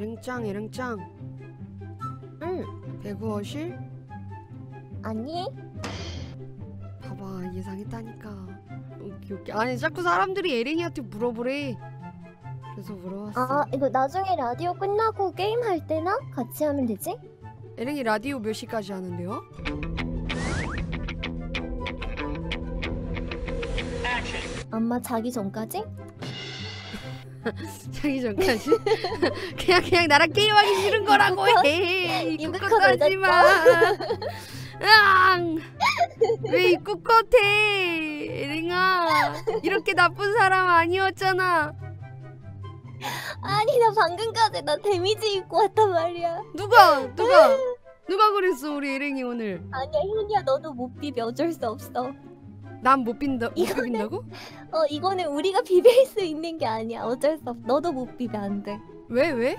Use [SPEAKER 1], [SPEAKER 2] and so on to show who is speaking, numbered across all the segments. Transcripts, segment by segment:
[SPEAKER 1] 에랭짱 에랭짱.
[SPEAKER 2] 응.
[SPEAKER 1] 배구어실?
[SPEAKER 2] 아니?
[SPEAKER 1] 봐봐 예상했다니까. 오케이. 아니 자꾸 사람들이 에랭이한테 물어보래. 그래서 물어봤어.
[SPEAKER 2] 아 이거 나중에 라디오 끝나고 게임할 때나 같이 하면 되지?
[SPEAKER 1] 에랭이 라디오 몇 시까지 하는데요?
[SPEAKER 2] 엄마 자기 전까지?
[SPEAKER 1] 자기 전까지? 그냥 나랑 게임하기 싫은 거라고 해. 입국 하지마. 으앙. 왜 입국 컷해 에랭아. 이렇게 나쁜 사람 아니었잖아.
[SPEAKER 2] 아니 나 방금까지 나 데미지 입고 왔단 말이야.
[SPEAKER 1] 누가 그랬어 우리 에랭이 오늘.
[SPEAKER 2] 아니야 현이야 너도 못 비벼 어쩔 수 없어.
[SPEAKER 1] 난 못 비빈다고?
[SPEAKER 2] 이거는 우리가 비빌 수 있는 게 아니야. 어쩔 수 없어. 너도 못 비벼 안 돼.
[SPEAKER 1] 왜?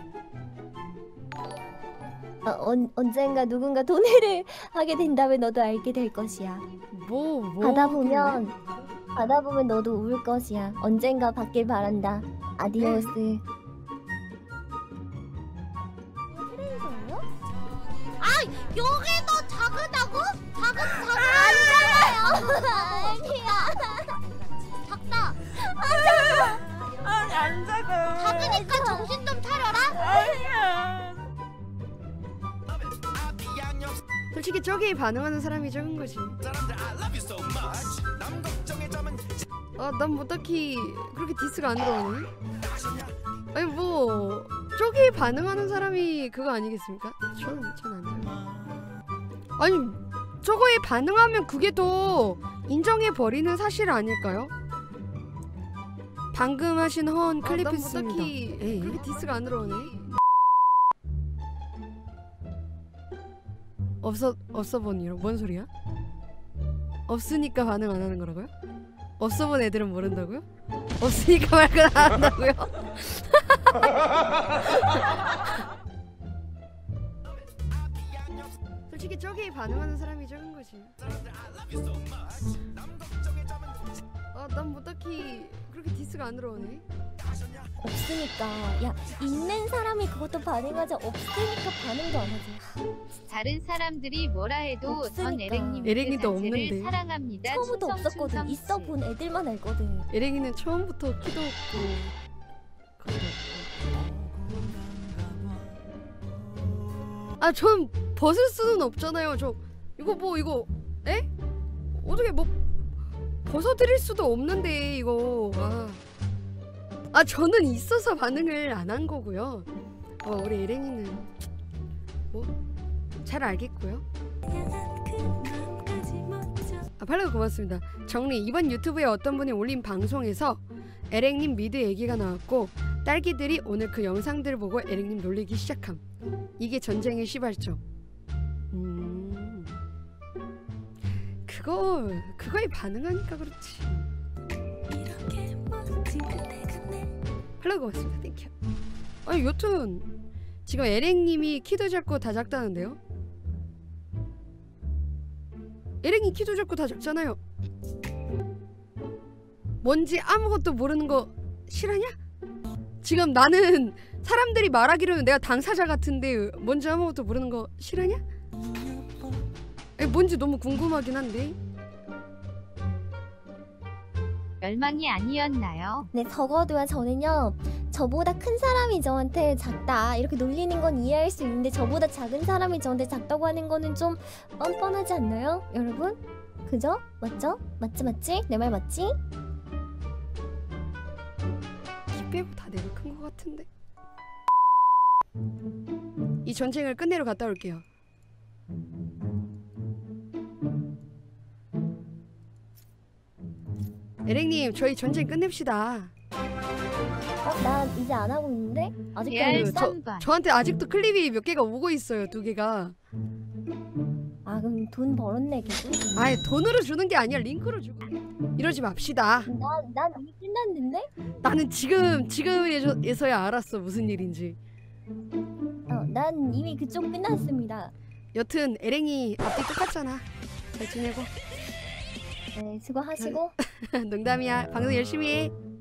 [SPEAKER 2] 언젠가 누군가 돈을 하게 된다면 너도 알게 될 것이야.
[SPEAKER 1] 뭐
[SPEAKER 2] 가다 보면 너도 울 것이야. 언젠가 받길 바란다. 아디오스.
[SPEAKER 3] 요게 더 작으다고? 아니잖아요. 아니야. 작다.
[SPEAKER 4] 안 작아.
[SPEAKER 3] 작으니까 정신 좀 차려라.
[SPEAKER 4] 아니야.
[SPEAKER 1] 솔직히 저기에 반응하는 사람이 적은 거지. 난 뭐 딱히 그렇게 디스가 안 들어오네. 아니 뭐 저기에 반응하는 사람이 그거 아니겠습니까? 저는 안 들어요. 아니 저거에 반응하면 그게 더 인정해버리는 사실 아닐까요? 방금 하신 허언 클리프스입니다. 에이, 그렇게 디스가 안 들어오네. 없어 본 이런 뭔 소리야? 없으니까 반응 안 하는 거라고요? 없어 본 애들은 모른다고요? 없으니까 말을 안 한다고요? 솔직히 저기에 반응하는 사람이 적은 거지. 난 뭐 딱히 그렇게 디스가 안 들어오네.
[SPEAKER 2] 없으니까. 야 있는 사람이 그것도 반응하자. 없으니까 반응도 안 하지.
[SPEAKER 5] 다른 사람들이 뭐라 해도 전
[SPEAKER 2] 없으니까.
[SPEAKER 5] 에랭님
[SPEAKER 1] 에랭이도
[SPEAKER 5] 그 자체를
[SPEAKER 1] 없는데.
[SPEAKER 5] 사랑합니다.
[SPEAKER 2] 처음부터
[SPEAKER 5] 충성,
[SPEAKER 2] 없었거든.
[SPEAKER 5] 충성.
[SPEAKER 2] 있어본 애들만 알거든.
[SPEAKER 1] 에랭이는 처음부터 키도 없고 그것도 없고. 전 벗을 수는 없잖아요. 이거 에? 어떻게 뭐 벗어드릴 수도 없는데 이거. 저는 있어서 반응을 안 한 거고요. 우리 에랭이는 뭐 잘 알겠고요. 팔로우 고맙습니다. 정리. 이번 유튜브에 어떤 분이 올린 방송에서 에랭님 미드 얘기가 나왔고 딸기들이 오늘 그 영상들을 보고 에랭님 놀리기 시작함. 이게 전쟁의 시발점. 그거에 반응하니까 그렇지. 팔로우 고맙습니다. 땡큐. 아니 여튼 지금 에랭님이 키도 작고 다 작다는데요? 에랭이 키도 작고 다 작잖아요. 뭔지 아무것도 모르는 거 싫어하냐? 지금 나는 사람들이 말하기로는 내가 당사자 같은데 뭔지 아무것도 모르는 거 싫어하냐? 뭔지 너무 궁금하긴 한데.
[SPEAKER 5] 멸망이 아니었나요?
[SPEAKER 2] 네 적어도요 저는요 저보다 큰 사람이 저한테 작다 이렇게 놀리는 건 이해할 수 있는데 저보다 작은 사람이 저한테 작다고 하는 거는 좀 뻔뻔하지 않나요? 여러분? 그죠? 맞죠? 맞지? 내 말 맞지?
[SPEAKER 1] 키 빼고 다 내가 큰 거 같은데. 이 전쟁을 끝내러 갔다 올게요. 에랭님 저희 전쟁 끝냅시다.
[SPEAKER 2] 나 이제 안 하고 있는데? 아직도
[SPEAKER 5] 레알
[SPEAKER 2] 안 했어?
[SPEAKER 5] 3번.
[SPEAKER 1] 저한테 아직도 클립이 몇 개가 오고 있어요. 2개가.
[SPEAKER 2] 그럼 돈 벌었네 계속.
[SPEAKER 1] 아예 돈으로 주는 게 아니야. 링크로 주고. 이러지 맙시다.
[SPEAKER 2] 난 이미 끝났는데?
[SPEAKER 1] 나는 지금에서야 알았어 무슨 일인지.
[SPEAKER 2] 난 이미 그쪽 끝났습니다.
[SPEAKER 1] 여튼 에랭이 앞뒤 똑같잖아. 잘 지내고.
[SPEAKER 2] 네 수고하시고.
[SPEAKER 1] 농담이야. 방송 열심히 해.